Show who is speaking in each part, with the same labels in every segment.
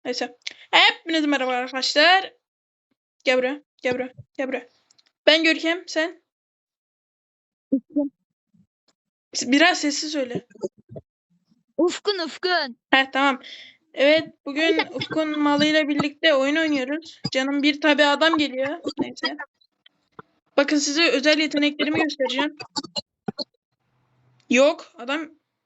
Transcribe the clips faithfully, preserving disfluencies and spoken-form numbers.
Speaker 1: Neyse. Hepinize merhaba arkadaşlar. Gel buraya. Gel buraya. Gel buraya. Ben Görkem. Sen?
Speaker 2: Ufkun.
Speaker 1: Biraz sessiz söyle.
Speaker 2: Ufkun Ufkun.
Speaker 1: Heh, tamam. Evet, bugün Ufkun malıyla birlikte oyun oynuyoruz. Canım bir tabi adam geliyor. Neyse. Bakın size özel yeteneklerimi göstereceğim. Yok adam.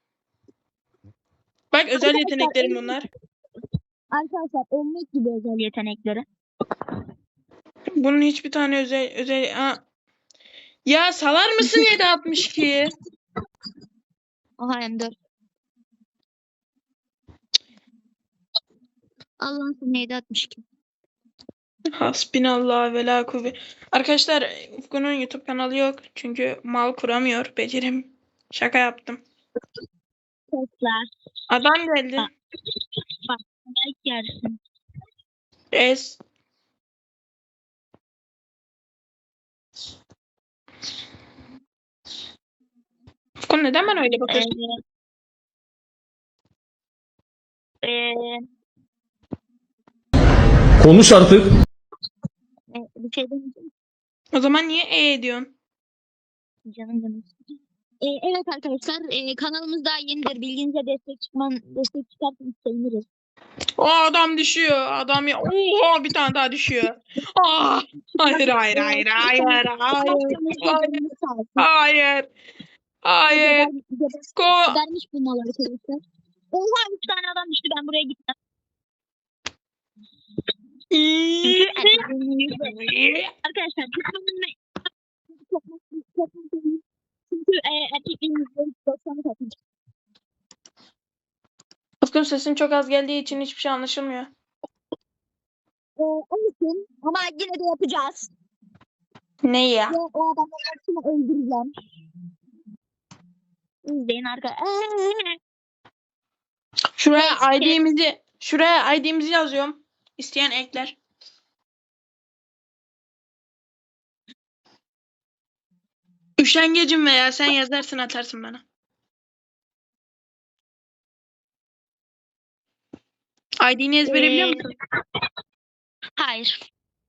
Speaker 1: Bak özel yeteneklerim bunlar.
Speaker 2: Arkadaşlar ölmek gibi özel yetenekleri.
Speaker 1: Bunun hiçbir tane özel özel. Aa. Ya salar mısın yedi altmış iki?
Speaker 2: Aha M dört. Allah'ın sonu yedi altmış iki.
Speaker 1: Hasbinallah ve la kuvvet. Arkadaşlar Ufku'nun YouTube kanalı yok. Çünkü mal kuramıyor. Becerim. Şaka yaptım.
Speaker 2: Sesler.
Speaker 1: Adam geldi.
Speaker 2: Bak. Bak. Belki yersin.
Speaker 1: Es. Ufku neden bana öyle bakıyorsun?
Speaker 2: Ee, ee,
Speaker 3: Konuş artık.
Speaker 2: e, bir şey demeyeceğim.
Speaker 1: O zaman niye e ediyorsun?
Speaker 2: Canım canım. Ee, evet arkadaşlar e, kanalımız daha yenidir. Bilginize destek çıkman, destek çıkarsanız seviniriz.
Speaker 1: O adam düşüyor. Adam ya. Oha bir tane daha düşüyor. Aa, hayır hayır hayır hayır hayır hayır hayır hayır. Ufku.
Speaker 2: Vermiş bu mal arkadaşlar. Oha üç tane adam düştü, ben buraya gittim. Çünkü arkadaşlar çünkü e, erkekliğin yüzde doksanı katmış.
Speaker 1: Ufku'nun sesin çok az geldiği için hiçbir şey anlaşılmıyor.
Speaker 2: Ee, olsun ama yine de yapacağız.
Speaker 1: Ne ya?
Speaker 2: Ve o adamların hepsini öldüreceğim. İzleyin arkadaşlar.
Speaker 1: Şuraya I D'mizi şuraya I D'mizi yazıyorum. İsteyen ekler. Üşengecim veya sen yazarsın atarsın bana. I D'ni ezbere biliyor musun?
Speaker 2: Hayır.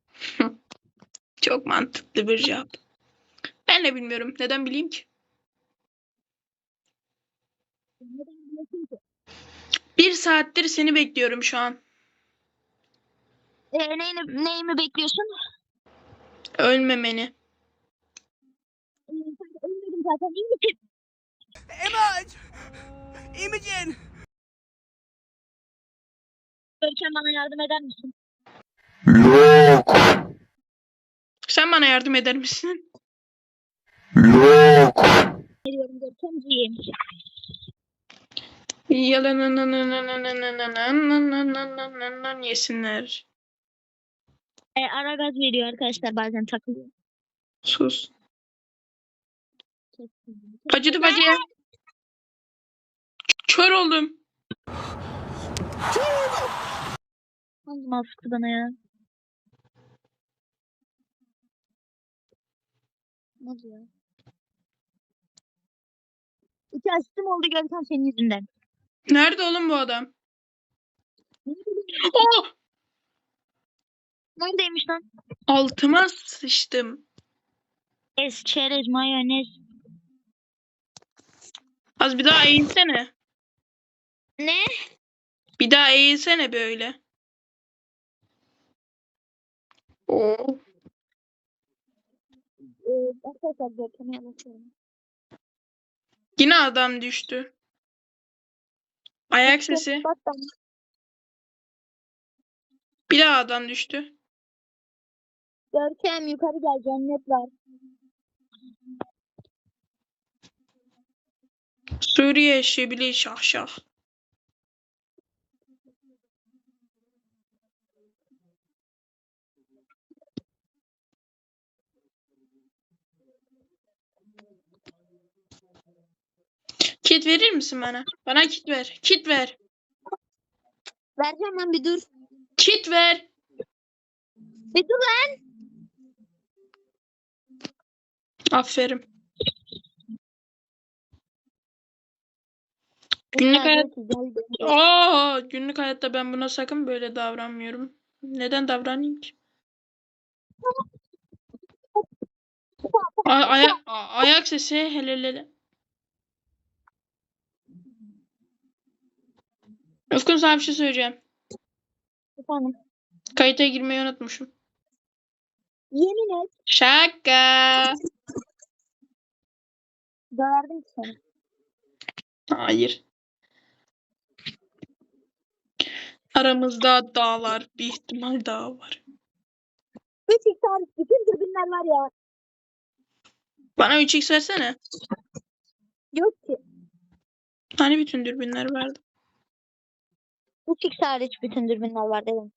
Speaker 1: Çok mantıklı bir cevap. Ben de bilmiyorum. Neden bileyim ki? Bir saattir seni bekliyorum şu an.
Speaker 2: Ee, neyini, neyimi bekliyorsun?
Speaker 1: Ölmemeni.
Speaker 2: Ee, ölmedim zaten. İyi.
Speaker 4: Image! Imogen!
Speaker 2: Görkem bana yardım eder misin?
Speaker 3: Yok.
Speaker 1: Sen bana yardım eder misin?
Speaker 3: Yok.
Speaker 2: Veriyorum Görkemciğim.
Speaker 1: Yalan yesinler.
Speaker 2: Ee, ara gaz veriyor arkadaşlar, bazen takılıyor.
Speaker 1: Sus. Acıdı bacıya. Kör oldum.
Speaker 2: Hangi mal sıktı bana ya? Ne oldu ya? İki asistim oldu Görkem senin yüzünden.
Speaker 1: Nerede oğlum bu adam?
Speaker 2: Ne bileyim,
Speaker 1: Oh!
Speaker 2: neredeymiş lan?
Speaker 1: Altıma sıçtım.
Speaker 2: Es, çerez, mayonez.
Speaker 1: Az bir daha eğilsene.
Speaker 2: Ne?
Speaker 1: Bir daha eğilsene böyle. Oh.
Speaker 2: Ee, arkadaşlar Görkem'e anlatıyorum.
Speaker 1: Yine adam düştü. Ayak sesi.
Speaker 2: Bak ben.
Speaker 1: Bir daha adam düştü.
Speaker 2: Görkem yukarı gel, cennet var.
Speaker 1: Suriye şebili şah şah. Kit verir misin bana? Bana kit ver. Kit ver.
Speaker 2: Vereceğim lan, bir dur.
Speaker 1: Kit ver.
Speaker 2: Bir dur lan.
Speaker 1: Aferin. Günlük
Speaker 2: Ya,
Speaker 1: hayat...
Speaker 2: Gökçe, gel gel.
Speaker 1: Aa, günlük hayatta ben buna sakın böyle davranmıyorum. Neden davranayım ki? A- ayak a- ayak sesi hele hele. Ufkun, sana bir şey söyleyeceğim.
Speaker 2: Efendim.
Speaker 1: Kayıta girmeyi unutmuşum.
Speaker 2: Yemin et.
Speaker 1: Şaka.
Speaker 2: Döverdim ki seni.
Speaker 1: Hayır. Aramızda dağlar, bir ihtimal daha var.
Speaker 2: üç x hariç bütün dürbünler var ya.
Speaker 1: Bana üç x versene.
Speaker 2: Yok ki.
Speaker 1: Hani bütün dürbünler vardı.
Speaker 2: üç x hariç bütün dürbünler var dedim.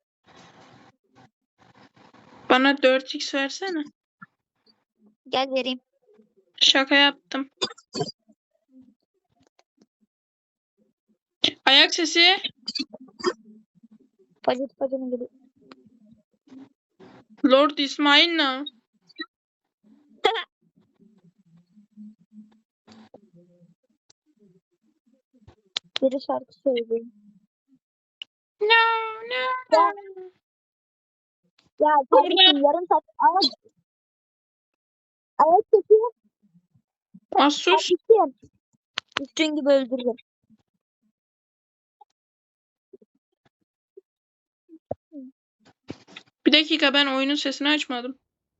Speaker 1: Bana dört x versene.
Speaker 2: Gel vereyim.
Speaker 1: Şaka yaptım. Ayak sesi.
Speaker 2: Pacet pacetine geliyor.
Speaker 1: Lord İsmail ne?
Speaker 2: Biri şarkı söylüyor.
Speaker 1: No, no.
Speaker 2: Ya, ya kardeşim yarım saat ayak ayak sesi
Speaker 1: Az sus.
Speaker 2: yapmıştım. Üstün gibi öldürdüm.
Speaker 1: Bir dakika, ben oyunun sesini açmadım.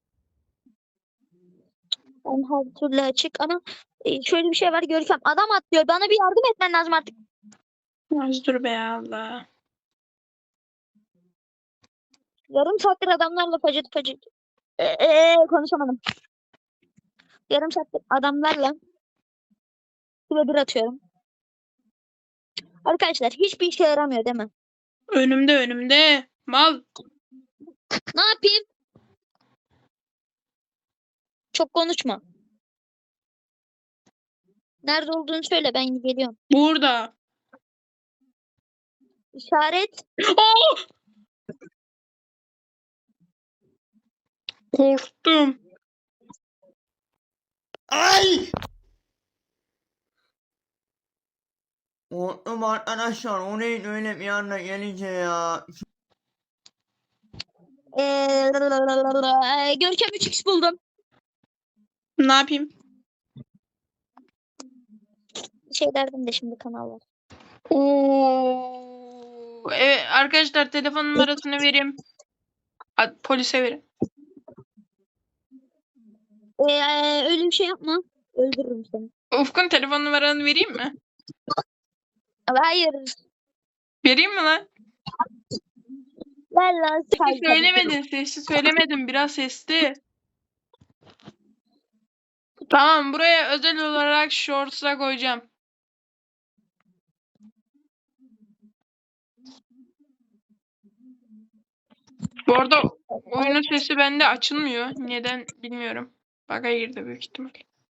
Speaker 2: Ben her türlü açık ama e, şöyle bir şey var Görkem. Adam atlıyor. Bana bir yardım etmen lazım artık.
Speaker 1: Az dur be Allah.
Speaker 2: Yarım saattir adamlarla pacet pacet. Ee, ee, konuşamadım. Yarım saattir adamlarla kule bir atıyorum. Arkadaşlar hiçbir işe yaramıyor değil mi?
Speaker 1: Önümde önümde. Mal.
Speaker 2: Ne yapayım? Çok konuşma. Nerede olduğunu söyle, ben geliyorum.
Speaker 1: Burada.
Speaker 2: İşaret.
Speaker 1: Oh! Korktum.
Speaker 4: Ay! Korktum arkadaşlar. O neydi öyle bir anda gelince ya.
Speaker 2: Ee, Görkem üç x buldum.
Speaker 1: Ne yapayım?
Speaker 2: Bir şey derdim de şimdi kanal var.
Speaker 1: Oo. Evet arkadaşlar, telefon numarasını vereyim. A- Polise verin.
Speaker 2: Ee, öyle bir şey yapma. Öldürürüm seni.
Speaker 1: Ufkun, telefon numaranı vereyim mi?
Speaker 2: Hayır.
Speaker 1: Vereyim mi lan?
Speaker 2: Ver lan
Speaker 1: Sesli
Speaker 2: say.
Speaker 1: söylemedin. Sesli söylemedim. Biraz sesli. Tamam, buraya özel olarak shorts'a koyacağım. Bu arada oyunun sesi bende açılmıyor. Neden bilmiyorum. Bug'a girdi büyük ihtimal.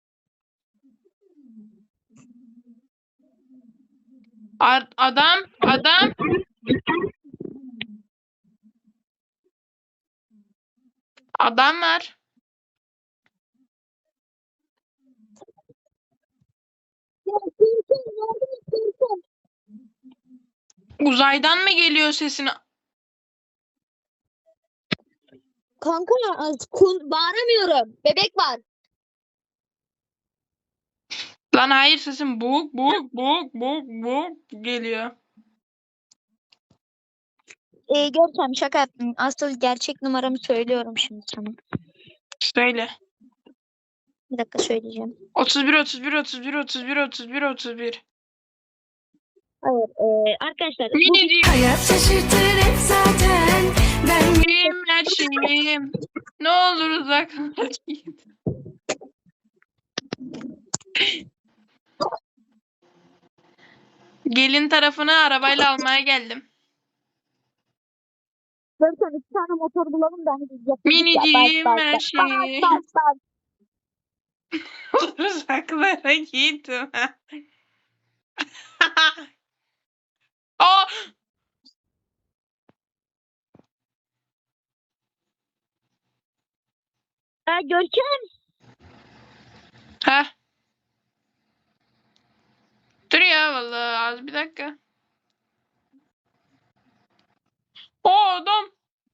Speaker 1: A- adam, adam. Adam var.
Speaker 2: Ya, Görkem, yardım et, Görkem.
Speaker 1: Uzaydan mı geliyor sesini?
Speaker 2: Kanka kun, bağıramıyorum. Bebek var.
Speaker 1: Lan hayır, sesim boğuk boğuk boğuk boğuk boğuk geliyor.
Speaker 2: Ee, Görkem şaka yaptım. Asıl gerçek numaramı söylüyorum şimdi sana.
Speaker 1: Söyle.
Speaker 2: Bir dakika söyleyeceğim.
Speaker 1: otuz bir otuz bir otuz bir otuz bir otuz bir otuz bir.
Speaker 2: Hayır. Ee, arkadaşlar bu
Speaker 1: Minicik.
Speaker 5: Hayat şaşırtır hep zaten. Ben
Speaker 1: Benim her şeyim. Ne olur uzaklaş git. Gelin tarafını arabayla almaya geldim.
Speaker 2: Görkem iki tane motor bulalım da hani biz yapalım.
Speaker 1: Minicim
Speaker 2: Bak,
Speaker 1: her
Speaker 2: bak,
Speaker 1: şeyim.
Speaker 2: bak, bak.
Speaker 1: Uzaklara git. Aa!
Speaker 2: Ee, Görkem.
Speaker 1: Heh. Dur ya, vallahi az bir dakika. O adam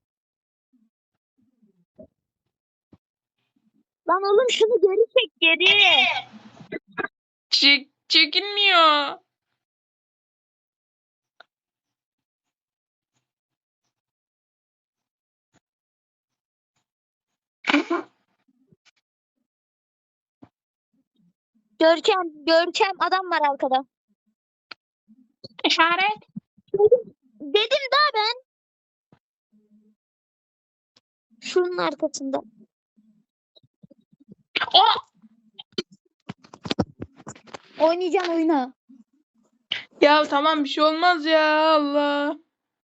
Speaker 2: Lan oğlum şunu geri çek geri.
Speaker 1: çek çekinmiyor.
Speaker 2: Görkem, Görkem adam var arkada.
Speaker 1: İşaret.
Speaker 2: Dedim daha ben. Şunun arkasında.
Speaker 1: O
Speaker 2: Oynayacaksın oyna.
Speaker 1: ya tamam bir şey olmaz ya Allah.